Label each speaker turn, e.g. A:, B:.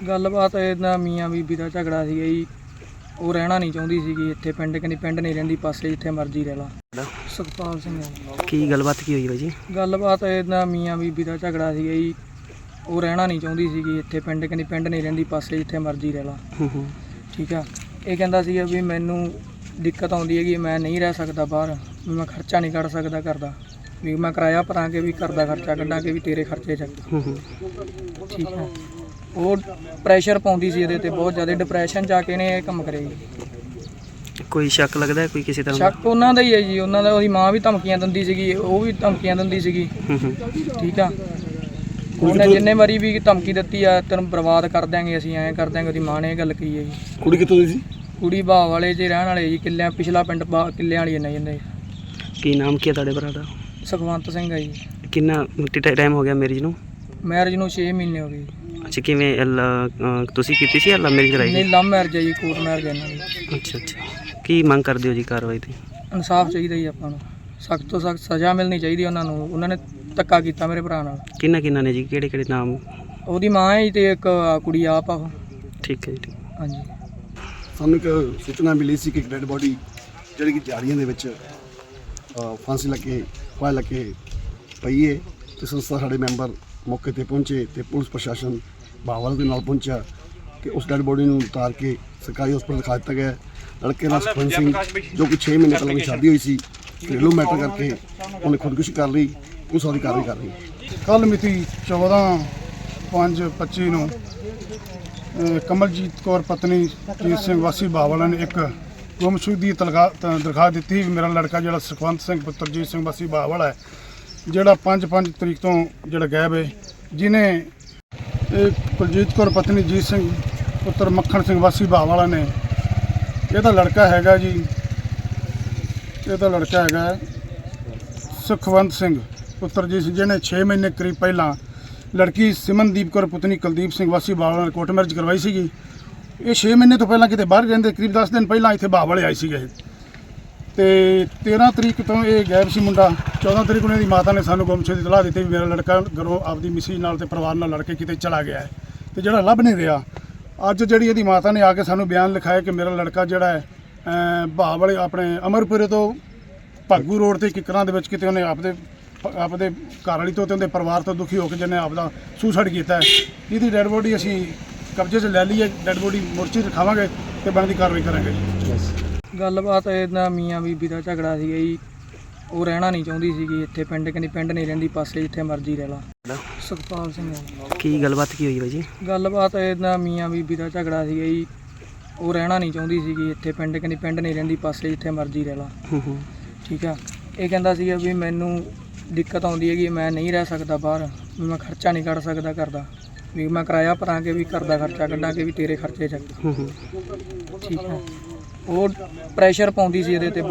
A: ਗੱਲਬਾਤ ਇਹਦਾ ਮੀਆਂ ਬੀਬੀ ਦਾ ਝਗੜਾ ਸੀਗਾ ਜੀ। ਉਹ ਰਹਿਣਾ ਨਹੀਂ ਚਾਹੁੰਦੀ ਸੀਗੀ ਇੱਥੇ ਪਿੰਡ, ਕਹਿੰਦੀ ਪਿੰਡ ਨਹੀਂ ਰਹਿੰਦੀ, ਪਾਸੇ ਜਿੱਥੇ ਮਰਜ਼ੀ ਰਹਿ ਲਾ। ਸੁਖਪਾਲ ਸਿੰਘ
B: ਕੀ ਗੱਲਬਾਤ ਕੀ ਹੋਈ ਬਾਈ ਜੀ?
A: ਗੱਲਬਾਤ ਇਹਦਾ ਮੀਆਂ ਬੀਬੀ ਦਾ ਝਗੜਾ ਸੀਗਾ ਜੀ। ਉਹ ਰਹਿਣਾ ਨਹੀਂ ਚਾਹੁੰਦੀ ਸੀਗੀ ਇੱਥੇ ਪਿੰਡ, ਕਹਿੰਦੀ ਪਿੰਡ ਨਹੀਂ ਰਹਿੰਦੀ, ਪਾਸੇ ਜਿੱਥੇ ਮਰਜ਼ੀ ਰਹਿ ਲਾ। ਠੀਕ ਆ। ਇਹ ਕਹਿੰਦਾ ਸੀਗਾ ਵੀ ਮੈਨੂੰ ਦਿੱਕਤ ਆਉਂਦੀ ਹੈਗੀ, ਮੈਂ ਨਹੀਂ ਰਹਿ ਸਕਦਾ ਬਾਹਰ, ਵੀ ਮੈਂ ਖਰਚਾ ਨਹੀਂ ਕੱਢ ਸਕਦਾ ਘਰ ਦਾ, ਵੀ ਮੈਂ ਕਿਰਾਇਆ ਭਰਾਂਗੇ ਵੀ ਘਰ ਦਾ ਖਰਚਾ ਕੱਢਾਂਗੇ, ਵੀ ਤੇਰੇ ਖਰਚੇ ਚੱਕ। ਠੀਕ ਹੈ। ਉਹ ਪ੍ਰੈਸ਼ਰ ਪਾਉਂਦੀ ਸੀ ਇਹਦੇ ਤੇ ਬਹੁਤ ਜ਼ਿਆਦਾ, ਡਿਪਰੈਸ਼ਨ 'ਚ ਆ ਕੇ ਨੇ ਇਹ ਕੰਮ ਕਰੇ ਜੀ।
B: ਕੋਈ ਸ਼ੱਕ ਲੱਗਦਾ ਕੋਈ ਕਿਸੇ ਤਰ੍ਹਾਂ
A: ਸ਼ੱਕ ਉਹਨਾਂ ਦਾ ਹੀ ਹੈ ਜੀ, ਉਹਨਾਂ ਦਾ। ਉਹਦੀ ਮਾਂ ਵੀ ਧਮਕੀਆਂ ਦਿੰਦੀ ਸੀਗੀ, ਉਹ ਵੀ ਧਮਕੀਆਂ ਦਿੰਦੀ ਸੀਗੀ। ਠੀਕ ਆ। ਉਹਨੇ ਜਿੰਨੇ ਵਾਰੀ ਵੀ ਧਮਕੀ ਦਿੱਤੀ ਆ, ਤੈਨੂੰ ਬਰਬਾਦ ਕਰ ਦਿਆਂਗੇ, ਅਸੀਂ ਐਂ ਕਰ ਦਿਆਂਗੇ, ਉਹਦੀ ਮਾਂ ਨੇ ਇਹ ਗੱਲ ਕਹੀ ਹੈ ਜੀ।
C: ਕੁੜੀ ਕਿੱਥੋਂ ਦੀ ਸੀ?
A: ਕੁੜੀ ਬਾਹ ਵਾਲੇ 'ਚ ਰਹਿਣ ਵਾਲੇ ਜੀ, ਕਿੱਲਿਆਂ ਪਿਛਲਾ ਪਿੰਡ ਕਿੱਲਿਆਂ ਵਾਲੀ ਇਹਨਾਂ ਜਾਂਦੇ।
B: ਕੀ ਨਾਮ ਕੀ ਹੈ ਤੁਹਾਡੇ ਭਰਾ ਦਾ?
A: ਸੁਖਵੰਤ ਸਿੰਘ ਆ ਜੀ।
B: ਕਿੰਨਾ ਟਾਈਮ ਹੋ ਗਿਆ ਮੈਰਿਜ ਨੂੰ?
A: ਮੈਰਿਜ ਨੂੰ 6 ਮਹੀਨੇ ਹੋ ਗਏ।
B: ਅੱਛਾ, ਕਿਵੇਂ ਤੁਸੀਂ ਕੀਤੀ ਸੀ ਜਾਂ ਲਵ ਮੈਰਿਜ ਕਰਾਈ?
A: ਨਹੀਂ, ਲਵ ਮੈਰਿਜ ਹੈ ਜੀ, ਕੋਰਟ ਮੈਰਿਜ ਇਹਨਾਂ ਦੀ।
B: ਅੱਛਾ ਅੱਛਾ। ਕੀ ਮੰਗ ਕਰਦੇ ਹੋ ਜੀ ਕਾਰਵਾਈ ਤੇ?
A: ਇਨਸਾਫ ਚਾਹੀਦਾ ਜੀ ਆਪਾਂ ਨੂੰ, ਸਖਤ ਤੋਂ ਸਖਤ ਸਜ਼ਾ ਮਿਲਣੀ ਚਾਹੀਦੀ ਉਹਨਾਂ ਨੂੰ। ਉਹਨਾਂ ਨੇ ਧੱਕਾ ਕੀਤਾ ਮੇਰੇ ਭਰਾ ਨਾਲ।
B: ਕਿੰਨਾ ਨੇ ਜੀ, ਕਿਹੜੇ ਕਿਹੜੇ ਨਾਮ?
A: ਉਹਦੀ ਮਾਂ ਹੈ ਜੀ ਤੇ ਇੱਕ ਕੁੜੀ ਆਪ ਆ ਉਹ।
B: ਠੀਕ ਹੈ ਜੀ, ਠੀਕ।
A: ਹਾਂਜੀ।
C: ਸਾਨੂੰ ਇੱਕ ਸੂਚਨਾ ਮਿਲੀ ਸੀ ਕਿ ਇੱਕ ਡੈਡ ਬੋਡੀ ਜਿਹੜੀ ਕਿ ਝਾੜੀਆਂ ਦੇ ਵਿੱਚ ਫਾਂਸੀ ਲੱਗੇ ਫਾਇਲ ਲੱਗੇ ਪਈ ਹੈ, ਤੇ ਸੰਸਥਾ ਸਾਡੇ ਮੈਂਬਰ ਮੌਕੇ ਤੇ ਪਹੁੰਚੇ ਤੇ ਪੁਲਿਸ ਪ੍ਰਸ਼ਾਸਨ ਬਾਵਲ ਦੇ ਨਾਲ ਪਹੁੰਚਿਆ ਕਿ ਉਸ ਡੈਡ ਬੋਡੀ ਨੂੰ ਉਤਾਰ ਕੇ ਸਰਕਾਰੀ ਹਸਪਤਾਲ ਦਿਖਾ ਦਿੱਤਾ ਗਿਆ। ਲੜਕੇ ਦਾ ਸੁਖਵੰਤ ਸਿੰਘ, ਜੋ ਕਿ 6 ਮਹੀਨੇ ਪਹਿਲਾਂ ਸ਼ਾਦੀ ਹੋਈ ਸੀ, ਘਰੇਲੂ ਮੈਟਰ ਕਰਕੇ ਉਹਨੇ ਖੁਦਕੁਸ਼ੀ ਕਰ ਲਈ, ਪੁਲਿਸ ਉਹਦੀ ਕਾਰਵਾਈ ਕਰ ਰਹੀ।
D: ਕੱਲ੍ਹ ਮਿਤੀ 14/5/25 ਨੂੰ ਕਮਲਜੀਤ ਕੌਰ ਪਤਨੀ ਜੀਤ ਸਿੰਘ ਵਾਸੀ ਬਾਵਲਾ ਨੇ ਇੱਕ ਗੁੰਮਸ਼ੁਦਗੀ ਦੀ ਦਰਖਾਸਤ ਦਿੱਤੀ। ਮੇਰਾ ਲੜਕਾ ਜਿਹੜਾ ਸੁਖਵੰਤ ਸਿੰਘ ਪੁੱਤਰ ਜੀਤ ਸਿੰਘ ਵਾਸੀ ਬਾਵਲਾ ਹੈ, ਜਿਹੜਾ 5 ਤਰੀਕ ਤੋਂ ਜਿਹੜਾ ਗਾਇਬ ਹੈ, ਜਿਹਨੇ ਕੁਲਜੀਤ ਕੌਰ ਪਤਨੀ ਜੀਤ ਸਿੰਘ ਪੁੱਤਰ ਮੱਖਣ ਸਿੰਘ ਵਾਸੀ ਬਾਵਲਾ ਨੇ, ਇਹਦਾ ਲੜਕਾ ਹੈਗਾ ਜੀ, ਇਹਦਾ ਲੜਕਾ ਹੈਗਾ ਸੁਖਵੰਤ ਸਿੰਘ ਪੁੱਤਰ ਜੀ, ਜਿਹਨੇ 6 ਮਹੀਨੇ ਕਰੀਬ ਪਹਿਲਾਂ ਲੜਕੀ ਸਿਮਨਦੀਪ ਕੌਰ ਪੁੱਤਨੀ ਕੁਲਦੀਪ ਸਿੰਘ ਵਾਸੀ ਬਾਵਲਾ ਨੇ ਕੋਰਟ ਮੈਰਿਜ ਕਰਵਾਈ ਸੀਗੀ। ਇਹ 6 ਮਹੀਨੇ ਤੋਂ ਪਹਿਲਾਂ ਕਿਤੇ ਬਾਹਰ ਰਹਿੰਦੇ, ਕਰੀਬ 10 ਦਿਨ ਪਹਿਲਾਂ ਇੱਥੇ ਬਾਵਲੇ ਆਏ ਸੀਗੇ ਤੇ 13 ਤਰੀਕ ਤੋਂ ਇਹ ਗਾਇਬ ਸੀ ਮੁੰਡਾ। 14 ਤਰੀਕ ਨੂੰ ਇਹਦੀ ਮਾਤਾ ਨੇ ਸਾਨੂੰ ਗੁੰਮਸ਼ੁਦਗੀ ਦੀ ਇਤਲਾਹ ਦਿੱਤੀ ਵੀ ਮੇਰਾ ਲੜਕਾ ਘਰੋਂ ਆਪਦੀ ਮਿਸੀ ਨਾਲ ਤੇ ਪਰਿਵਾਰ ਨਾਲ ਲੜ ਕੇ ਕਿਤੇ ਚਲਾ ਗਿਆ ਹੈ ਤੇ ਜਿਹੜਾ ਲੱਭ ਨਹੀਂ ਰਿਹਾ। ਅੱਜ ਜਿਹੜੀ ਇਹਦੀ ਮਾਤਾ ਨੇ ਆ ਕੇ ਸਾਨੂੰ ਬਿਆਨ ਲਿਖਾਇਆ ਕਿ ਮੇਰਾ ਲੜਕਾ ਜਿਹੜਾ ਹੈ ਬਾਵਲੇ ਆਪਣੇ ਅਮਰਪੁਰੇ ਤੋਂ ਭਾਗੂ ਰੋਡ ਤੇ ਕਿਕਰਾਂ ਦੇ ਵਿੱਚ ਕਿਤੇ ਉਹਨੇ ਆਪਦੇ ਘਰ ਵਾਲੀ ਤੋਂ ਤੇ ਉਹਦੇ ਪਰਿਵਾਰ ਤੋਂ ਦੁਖੀ ਹੋ ਕੇ ਜਿਹਨੇ ਆਪਦਾ ਸੁਸਾਈਡ ਕੀਤਾ ਹੈ। ਇਹਦੀ ਡੈਡ ਬੋਡੀ ਅਸੀਂ ਕਬਜ਼ੇ 'ਚ ਲੈ ਲਈ ਹੈ, ਡੈਡ ਬੋਡੀ ਮੋਰਚੇ 'ਚ ਰਖਾਵਾਂਗੇ ਤੇ ਬਣਦੀ ਕਾਰਵਾਈ ਕਰਾਂਗੇ।
A: ਗੱਲਬਾਤ ਇਹਦਾ ਮੀਆਂ ਬੀਬੀ ਦਾ ਝਗੜਾ ਸੀਗਾ ਜੀ। ਉਹ ਰਹਿਣਾ ਨਹੀਂ ਚਾਹੁੰਦੀ ਸੀਗੀ ਇੱਥੇ ਪਿੰਡ, ਕਹਿੰਦੀ ਪਿੰਡ ਨਹੀਂ ਰਹਿੰਦੀ, ਪਾਸੇ ਜਿੱਥੇ ਮਰਜ਼ੀ ਰਹਿ ਲਾ। ਸੁਖਪਾਲ ਸਿੰਘ।
B: ਕੀ ਗੱਲਬਾਤ ਕੀ ਹੋਈ ਬਾਈ ਜੀ?
A: ਗੱਲਬਾਤ ਇਹਦਾ ਮੀਆਂ ਬੀਬੀ ਦਾ ਝਗੜਾ ਸੀਗਾ ਜੀ। ਉਹ ਰਹਿਣਾ ਨਹੀਂ ਚਾਹੁੰਦੀ ਸੀਗੀ ਇੱਥੇ ਪਿੰਡ, ਕਹਿੰਦੀ ਪਿੰਡ ਨਹੀਂ ਰਹਿੰਦੀ, ਪਾਸੇ ਜਿੱਥੇ ਮਰਜ਼ੀ ਰਹਿ ਲਾ। ਠੀਕ ਆ। ਇਹ ਕਹਿੰਦਾ ਸੀਗਾ ਵੀ ਮੈਨੂੰ ਦਿੱਕਤ ਆਉਂਦੀ ਹੈਗੀ, ਮੈਂ ਨਹੀਂ ਰਹਿ ਸਕਦਾ ਬਾਹਰ, ਵੀ ਮੈਂ ਖਰਚਾ ਨਹੀਂ ਕੱਢ ਸਕਦਾ ਘਰ ਦਾ, ਵੀ ਮੈਂ ਕਿਰਾਇਆ ਭਰਾਂਗੇ, ਵੀ ਘਰ ਦਾ ਖਰਚਾ ਕੱਢਾਂਗੇ, ਵੀ ਤੇਰੇ ਖਰਚੇ ਚੱਕ। ਠੀਕ ਹੈ। ਉਹ ਪ੍ਰੈਸ਼ਰ ਪਾਉਂਦੀ ਸੀ ਇਹਦੇ ਤੇ।